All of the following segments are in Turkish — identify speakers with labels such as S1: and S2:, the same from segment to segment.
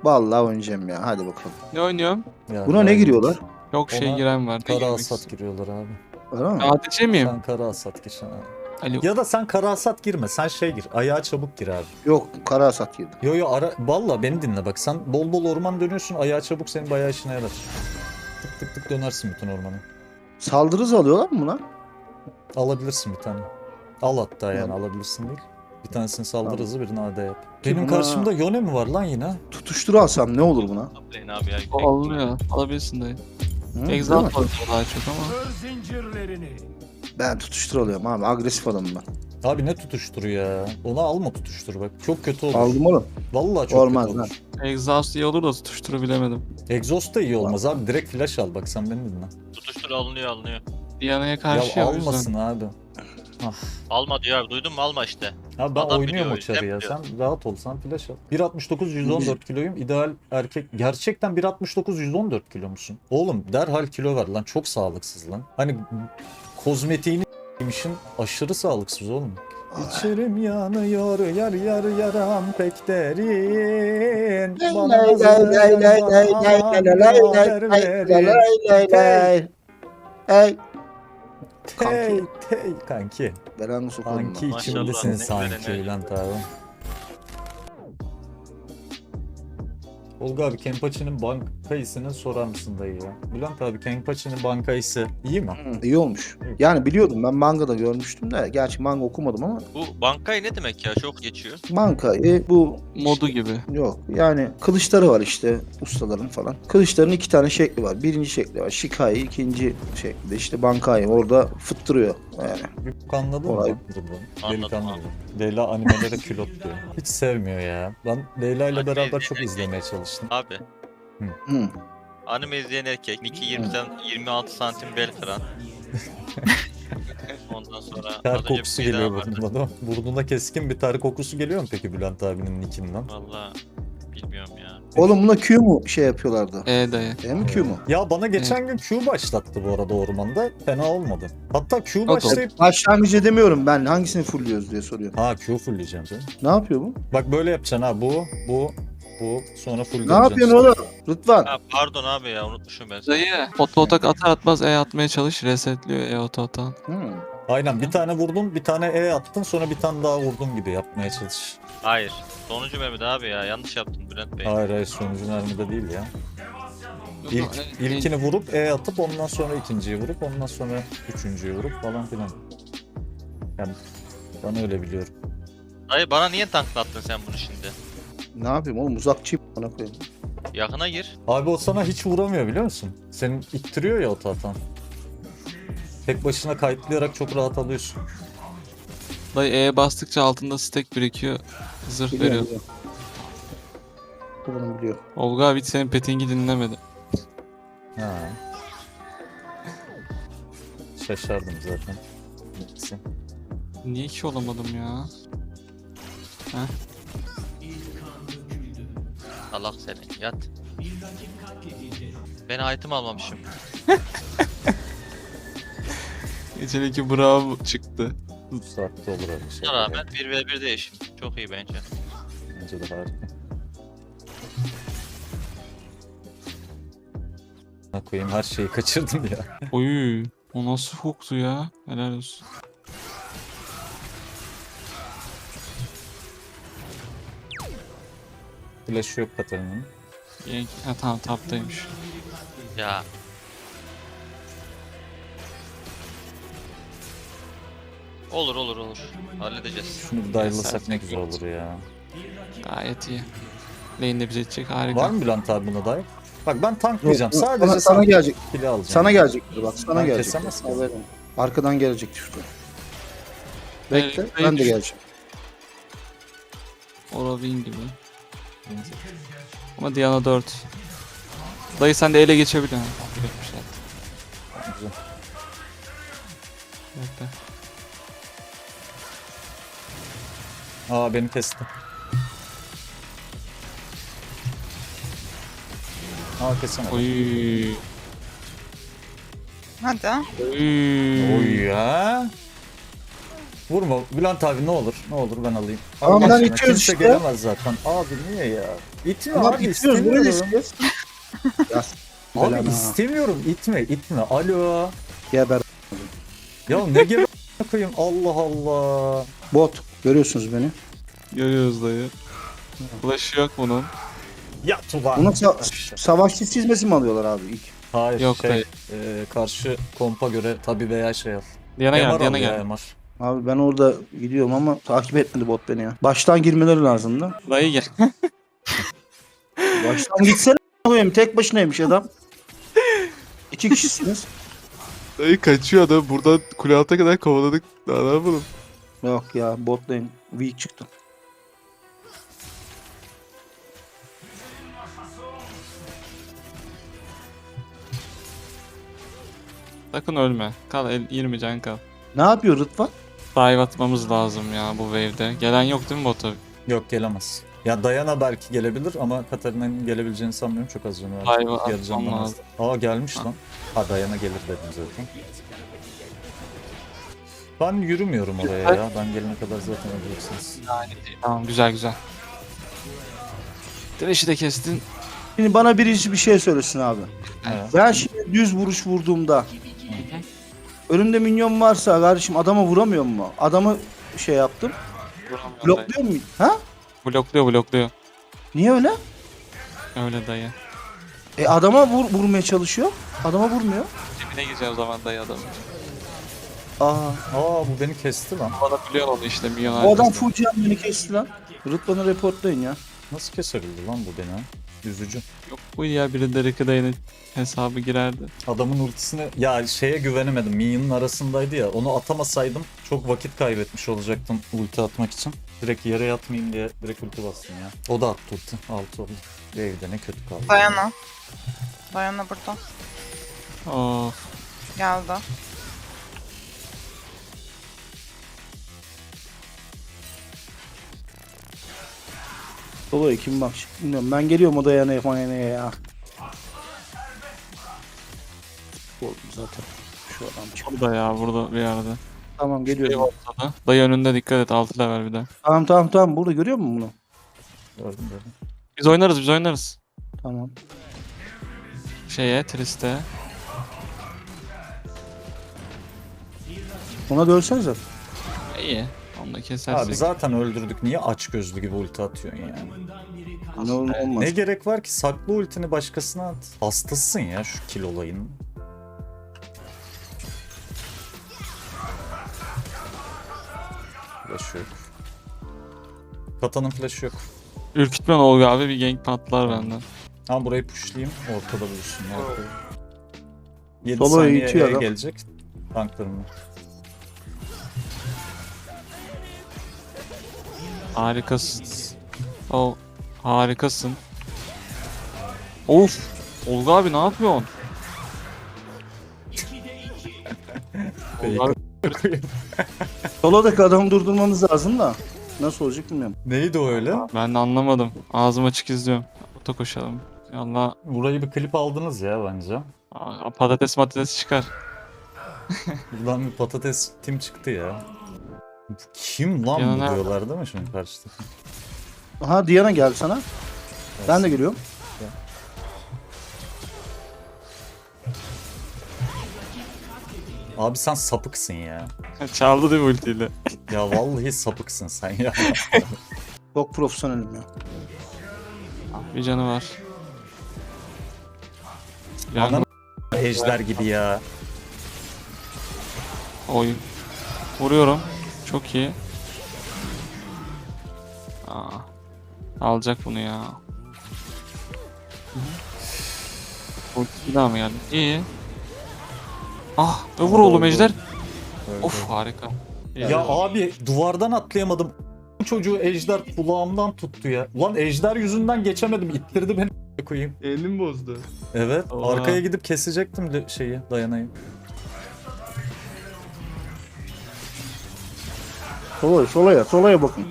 S1: Vallahi oynayacağım ya. Hadi bakalım.
S2: Ne oynuyorum?
S3: Ya,
S1: Buna ne giriyorlar?
S2: Yok şey
S3: Ona
S2: giren var.
S3: Kara
S2: Girmek
S3: hasat
S2: istiyorum.
S3: giriyorlar abi.
S1: Var mı?
S2: ADC miyim?
S3: Sen kara hasat gir abi.
S2: Ali.
S3: Ya da sen kara hasat girme. Sen şey gir. Ayağa çabuk gir abi.
S1: Yok, kara hasat girdim.
S3: Yo valla beni dinle bak. Sen bol bol orman dönüyorsun. Ayağa çabuk senin bayağı işine yarar. Tık tık tık dönersin bütün ormanı.
S1: Saldırı hızı alıyorlar mı buna?
S3: Alabilirsin bir tane. Al hatta yani
S1: Tamam.
S3: alabilirsin değil. Bir tanesini saldırı
S1: Tamam.
S3: hızı birini AD yap.
S1: Ki
S3: Benim
S1: buna-
S3: karşımda Yone mi var lan yine?
S1: Tutuşturu alsam ne olur buna?
S4: Toplayın abi ya.
S2: O alınıyor. Alabilirsin dayı.
S1: Hı, değil mi?
S2: Exalt var daha çok ama.
S1: Ben tutuştur alıyorum abi. Agresif adamım ben.
S3: Abi ne tutuştur ya? Ona alma tutuştur bak. Çok kötü olur.
S1: Aldım oğlum.
S3: Vallahi çok
S1: Olmaz
S3: kötü
S1: lan.
S3: olur.
S2: Exhaust iyi olur da tutuşturu bilemedim.
S3: Exhaust da iyi olmaz abi. Direkt flash al bak sen beni dinle.
S4: Tutuştur alınıyor.
S2: Diana'ya karşı
S3: Ya
S2: ya o yüzden.
S3: almasın abi.
S4: Alma diyor abi, duydun mu, alma işte.
S3: Abi ben
S4: Adam
S3: oynuyorum o
S4: biliyor,
S3: çarı ya.
S4: biliyor.
S3: Sen rahat ol, sen flash al. 1.69 114 kiloyum. İdeal erkek. Gerçekten 1.69 114 kilo musun? Oğlum derhal kilo ver lan. Çok sağlıksız lan. Hani kozmetiğini yemişin aşırı sağlıksız oğlum. İçerim yanıyor yar yar yaram pek derin. Bana
S1: Hey.
S3: Hey hey kanki.
S1: Belanı sokalım
S3: Kanki
S1: lan.
S4: Maşallah,
S3: içimdesin
S4: ne
S3: sanki
S4: güzel enerji.
S3: Bülent abi. Olga abi Kenpachi'nin bankayısını sorar mısın dayı ya? Bülent abi Kenpachi'nin bankayısı iyi mi?
S1: İyi olmuş. Yani biliyordum, ben mangada görmüştüm de. Gerçi manga okumadım ama.
S4: Bu bankayı ne demek ya? Çok geçiyor.
S1: Mangayı bu
S2: Modu gibi.
S1: yok. Yani kılıçları var işte ustaların falan. Kılıçların iki tane şekli var. Birinci şekli var Shikai, ikinci şekli de işte Bankai. Orada fıttırıyor yani.
S3: Bir bok anladın
S1: Olay.
S3: mı?
S4: Anladım,
S3: Delikanlı.
S4: anladım.
S3: Leyla animelere külot diyor. Hiç sevmiyor ya. Ben Leyla ile
S4: Anime
S3: beraber
S4: izleyen
S3: çok
S4: erkek.
S3: izlemeye çalıştım.
S4: Abi
S1: Hı.
S4: anime izleyen erkek. Niki 26 santim bel kıran. Ondan sonra
S3: Ter
S4: az önce bir
S3: kokusu
S4: şey
S3: geliyor
S4: daha vardı.
S3: burnuna değil mi? Burnuna keskin bir ter kokusu geliyor mu peki Bülent abinin nickinden?
S4: Valla bilmiyorum ya.
S1: Oğlum buna Q mu şey yapıyorlardı?
S2: Dayı.
S1: E mi Q mu?
S3: Ya bana geçen gün Q başlattı bu arada ormanda. Fena olmadı. Hatta Q
S2: Yok,
S3: başlayıp...
S1: Başlangıç edemiyorum ben. Hangisini fullüyoruz diye soruyor.
S3: Ha Q fullleyeceğim canım.
S1: Ne yapıyor bu?
S3: Bak böyle yapacaksın ha bu sonra full
S1: Ne yapıyorsun oğlum? Rıdvan.
S4: Ha, pardon abi ya, unutmuşum ben seni.
S2: Dayı. Oto atak atar atmaz atmaya çalış. Resetliyor oto atan.
S1: Hı.
S3: Aynen bir tane vurdun bir tane attın sonra bir tane daha vurdun gibi yapmaya çalış.
S4: Hayır. Sonuncu Mehmet abi ya, yanlış yaptın Bülent Bey.
S3: Hayır sonucu nerede değil ya. İlkini vurup atıp ondan sonra ikinciyi vurup ondan sonra üçüncüyü vurup falan filan. Yani ben öyle biliyorum.
S4: Dayı bana niye tanklattın sen bunu şimdi?
S1: Ne yapayım oğlum, uzakçıyım bana koyayım.
S4: Yakına gir.
S3: Abi o sana hiç vuramıyor biliyor musun? Senin ittiriyor ya o tahtan. Tek başına kayıtlayarak çok rahat alıyorsun.
S2: Dayı E'ye bastıkça altında stack birikiyor. Zırh veriyor.
S1: Biliyorum. Bu bunu biliyor.
S2: Olga abi hiç senin petingi dinlemedi.
S3: Ha. Şaşardım zaten. Neyse.
S2: Niye ki olamadım ya?
S4: Allah seni, yat. Ben item almamışım.
S2: Geçeneki bravo çıktı.
S3: Bu saatte olur öyle şey.
S4: Buna rağmen 1v1 değişim. Çok iyi bence.
S3: Bence de harika. Ne koyayım her şeyi kaçırdım ya.
S2: Oy. O nasıl hooktu ya? Helal olsun.
S3: Flash yok Katarina'nın.
S2: Yank. Ha tamam taptaymış.
S4: Ya olur olur olur. Halledeceğiz.
S3: Şunu bir dive'lasak ne güzel olur ya.
S2: Gayet iyi. Lane de bize edecek harika.
S3: Var mı Bülent abi buna dive? Bak ben tanklayacağım.
S1: Yok,
S3: Sadece
S1: sana gelecek.
S3: kili alacağım.
S1: Sana gelecektir bak. Sana
S3: Ben
S1: gelecek.
S3: kesemez ki.
S1: Haberin. Arkadan gelecek işte. Bekle.
S2: Evet,
S1: Ben de
S2: evet.
S1: geleceğim.
S2: Oravin gibi. Ama Diana 4. Dayı sen de ele geçebilir ha. Geçmişler.
S3: Güzel.
S2: Bekle.
S3: Aa beni kesti. Aa kesemedi.
S2: Oy.
S5: Hadi.
S2: Oy.
S3: Oy ya. Vurma Bülent abi, ne olur. Ne olur ben alayım.
S1: Tamam,
S3: Allah
S1: ben
S3: aşkına,
S1: itiyoruz
S3: kimse
S1: işte.
S3: gelemez zaten. Abi niye ya? İtme
S1: Ama
S3: abi,
S1: bitiyoruz. Burayı da
S3: istemiyorum.
S1: istiyoruz. Ya
S3: Abi
S1: belana.
S3: istemiyorum, itme. Alo.
S1: Geber.
S3: Ya ne gibi koyayım, Allah Allah.
S1: Bot. Görüyorsunuz beni.
S2: Görüyoruz dayı. Flash'ı yok bunun.
S3: Yat ulan.
S1: Buna savaşçı çizmesi mi alıyorlar abi ilk?
S3: Hayır,
S2: Yok
S3: şey,
S2: dayı.
S3: Karşı kompa göre tabi veya şey al.
S2: Diana
S3: MR
S2: gel,
S3: al
S2: Diana
S3: ya,
S2: gel.
S3: MR.
S1: Abi ben orada gidiyorum ama takip etmedi bot beni ya. Baştan girmeleri lazımdı.
S2: Dayı gel.
S1: Baştan gitsene koyayım. Tek başınaymış adam. 2 kişisiniz.
S2: Dayı kaçıyor adam. Buradan kule alta kadar kovaladık. Daha ne yapalım?
S1: Yok ya, bot lane weak çıktı.
S2: Sakın ölme. Kal 20 can kal.
S1: Ne yapıyor Rıdvan?
S2: Dive atmamız lazım ya bu wave'de. Gelen yok değil mi bota?
S3: Yok, gelemez. Ya Diana belki gelebilir ama Katarina'nın gelebileceğini sanmıyorum, çok az canı var.
S2: Dive'ı
S3: Yarı
S2: atmam
S3: candan az.
S2: lazım.
S3: Aa, gelmiş lan. Ha, Diana gelir dedim zaten. Ben yürümüyorum oraya ya. Ben gelene kadar zaten öleceksiniz.
S2: Tamam, güzel güzel. Thresh'i de kestin.
S1: Şimdi bana birisi bir şey söylesin abi.
S3: Evet.
S1: Ben şimdi düz vuruş vurduğumda önümde minyon varsa kardeşim adama vuramıyor mu? Adamı şey yaptım. Blokluyor mu? Ha?
S2: Blokluyor.
S1: Niye öyle?
S2: Öyle dayı.
S1: Adama vurmaya çalışıyor. Adama vurmuyor.
S2: Dibine gireceğim o zaman dayı adamın.
S1: Aa,
S3: Aa, bu beni kesti lan.
S2: Bana biliyor onu işte milyon
S1: o adam
S2: arkasında.
S1: full can beni kesti lan. Rıdvan'ı reportlayın ya.
S3: Nasıl kesebildi lan bu beni? Üzücü.
S2: Yok bu ya, biri de Rikiday'ın hesabı girerdi.
S3: Adamın ultisine ya şeye güvenemedim. Minyonun arasındaydı ya. Onu atamasaydım çok vakit kaybetmiş olacaktım ulti atmak için. Direkt yere yatmayayım diye direkt ulti bastım ya. O da attı ulti. 6 oldu. Evde ne kötü kaldı.
S5: Dayana. Dayana burada.
S2: Of.
S5: Geldi.
S1: Solo'ya kim bak bilmiyorum. Ben geliyorum odaya ne ya. Oldu zaten. Şu adam çıktı.
S2: Burada ya, burada bir yerde.
S1: Tamam
S2: Dayı
S1: geliyorum.
S2: ortada. Dayı önünde, dikkat et, 6 level bir de.
S1: Tamam. Burada görüyor musun bunu?
S3: Gördüm.
S2: Biz oynarız.
S1: Tamam.
S2: Triste.
S1: Ona dölsenize.
S2: İyi. Onu da kesersek.
S3: Abi zaten öldürdük. Niye aç gözlü gibi ulti atıyorsun yani?
S1: Ne olur olmaz.
S3: Ne gerek var ki? Saklı ultini başkasına at. Hastasın ya şu kill olayının. Flash yok. Kata'nın flash yok.
S2: Ürkütmen Olga abi, bir gank patlar benden.
S3: Ama burayı pushlayayım. Ortada buluşsun. Ya. 7
S1: Solo
S3: saniye
S1: itiyor
S3: E
S1: adam.
S3: gelecek. Tanklarımı.
S2: Harikasın. Harikasın. Of. Olga abi ne yapıyorsun? Olga abi,
S1: Solo'daki adamı durdurmamız lazım da. Nasıl olacak bilmiyorum.
S3: Neydi o öyle?
S2: ben de anlamadım. Ağzım açık izliyorum. Ota koşalım. Allah,
S3: Burayı bir klip aldınız ya bence.
S2: patates çıkar.
S3: Buradan bir patates tim çıktı ya. Bu kim lan
S2: Ya
S3: bu
S2: nerede?
S3: diyorlar değil mi şimdi karşıda?
S1: Aha Diana geldi sana. Ben de geliyorum.
S3: Abi sen sapıksın ya.
S2: Çaldı değil mi ultiyle?
S3: Ya vallahi sapıksın sen ya.
S1: Çok profesyonelim ya.
S2: Bir canı var.
S3: Anam ejder gibi ya.
S2: Oy. Vuruyorum. Çok iyi. Alacak bunu ya. Ulti bir daha mı geldi? İyi. Vur oğlum ejder. Of, harika.
S3: Ya abi duvardan atlayamadım. Bu çocuğu ejder kulağımdan tuttu ya. Ulan ejder yüzünden geçemedim. İttirdi beni koyayım.
S2: Elim bozdu.
S3: Evet.
S2: Oha.
S3: Arkaya gidip kesecektim şeyi, dayanayı.
S1: Solo'ya bakın.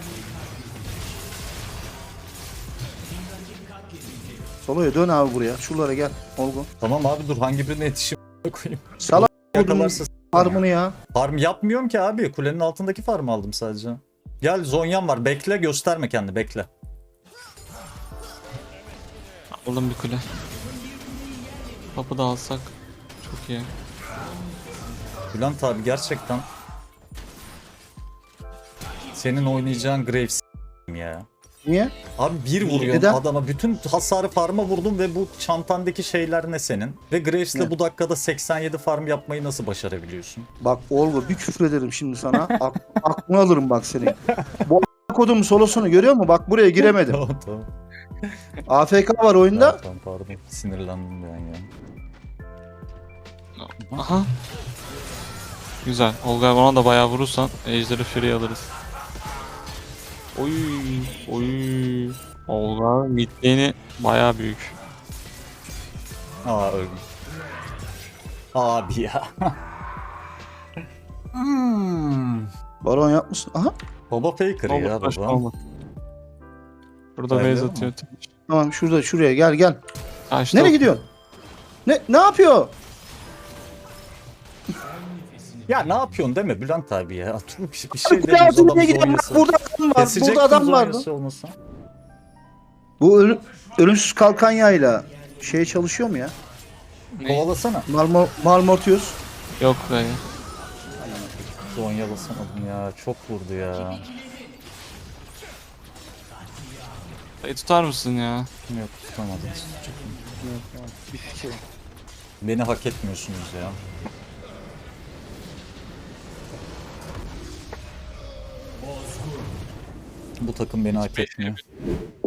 S1: Solo'ya dön abi buraya. Şuralara gel. Olgun.
S3: Tamam abi dur, hangi birine yetişeyim koyayım.
S1: Salak
S3: Yakalarsa
S1: Farmını ya.
S3: Farm yapmıyorum ki abi. Kulenin altındaki farmı aldım sadece. Gel Zonya'm var. Bekle, gösterme kendini, bekle.
S2: Aldım bir kule. Kapı da alsak çok iyi.
S3: Bülent abi gerçekten senin oynayacağın Graves ya.
S1: Niye?
S3: Abi bir vuruyorsun
S1: Neden?
S3: adama, bütün hasarı farma vurdun ve bu çantandaki şeyler ne senin? Ve Graves'le
S1: Ne?
S3: bu dakikada 87 farm yapmayı nasıl başarabiliyorsun?
S1: Bak Olgu bir küfür ederim şimdi sana. Aklını alırım bak seni. Bu kodumun solosunu görüyor musun? Bak buraya giremedim.
S3: Tamam tamam.
S1: AFK var oyunda.
S3: Tamam pardon, sinirlendim ben ya.
S2: Aha. Güzel. Olga ona da bayağı vurursan Ejder'i Fury alırız. Oy. Oy. Olga midlane'i bayağı büyük.
S3: Aa öldüm. Abi ya.
S1: Baron yapmışsın. Aha.
S3: Baba faker
S2: Olga
S3: ya
S2: taş
S3: baba.
S2: olmadı. Burada
S3: Öyle
S2: base
S3: mi?
S2: atıyor.
S1: Tamam şuraya gel.
S2: Açtı.
S1: Nereye gidiyorsun? Ne yapıyor?
S3: Ya ne yapıyorsun deme Bülent abi ya. Dur, bir şey
S1: Bir
S3: demiyoruz
S1: altına
S3: adamın
S1: gidiyorum. Bak
S3: zonyası.
S1: burada adam var.
S3: Kesecek
S1: Burada adam
S3: kız
S1: vardı.
S3: zonyası olmasa.
S1: Bu ölümsüz kalkan yayla şey çalışıyor mu ya?
S2: Ne?
S3: Kovalasana.
S1: Malmortius.
S2: Yok dayı.
S3: Zonyalasamadım ya. Çok vurdu ya.
S2: Dayı tutar mısın ya?
S3: Yok tutamadım. Beni hak etmiyorsunuz ya. Bu takım beni hak etmiyor.